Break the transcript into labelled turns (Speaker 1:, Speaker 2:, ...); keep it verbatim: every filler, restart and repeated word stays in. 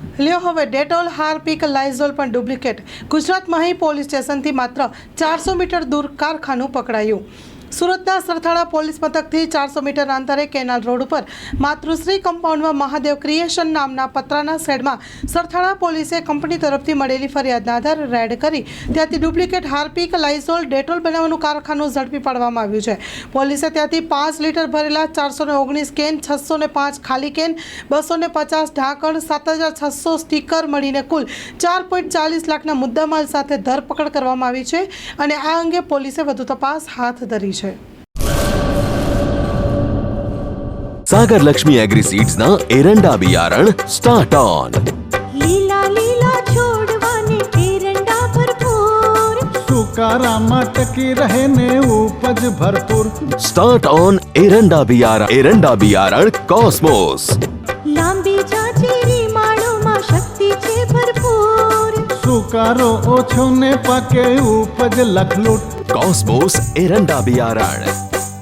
Speaker 1: લ્યો હવે Dettol, Harpic, Lysol પણ ડુપ્લિકેટ। ગુજરાત મહી પોલીસ સ્ટેશનથી માત્ર ચારસો મીટર દૂર કારખાનું પકડાયું। સુરતના સરથાણા પોલીસ મથકથી ચારસો મીટર અંતરે કેનાલ રોડ ઉપર માતૃશ્રી કમ્પાઉન્ડમાં મહાદેવ ક્રિએશન નામના પતરાના શેડમાં સરથાણા પોલીસે કંપની તરફથી મળેલી ફરિયાદના આધારે રેડ કરી ત્યાંથી ડુપ્લિકેટ હાર્પિક, લાઇઝોલ, ડેટોલ બનાવવાનું કારખાનું ઝડપી પાડવામાં આવ્યું છે। પોલીસે ત્યાંથી પાંચ લીટર ભરેલા ચારસો ને ઓગણીસ કેન, છસો ને પાંચ ખાલી કેન, બસો ને પચાસ ઢાંકણ, સાત હજાર છસો સ્ટીકર મળીને કુલ ચાર પોઈન્ટ ચાલીસ લાખના મુદ્દામાલ સાથે ધરપકડ કરવામાં આવી છે અને આ અંગે પોલીસે વધુ તપાસ હાથ ધરી છે।
Speaker 2: सागर लक्ष्मी एग्री सीड्स ना एरंडा बियारण स्टार्ट ऑन।
Speaker 3: લીલા લીલા છોડવાને એરંડા ભરપૂર,
Speaker 4: સુકારામાં ટકી રહે ને ઉપજ ભરપૂર।
Speaker 2: स्टार्ट ऑन एरंडा बियारण एरंડા बियारण कॉस्मोस।
Speaker 3: લાંબી જાચેરી માળોમાં શક્તિ છે ભરપૂર,
Speaker 4: સુકારો ઓછો ને પાકે ઉપજ લખલૂટ।
Speaker 2: कॉस्मोस एरंડા बियारण।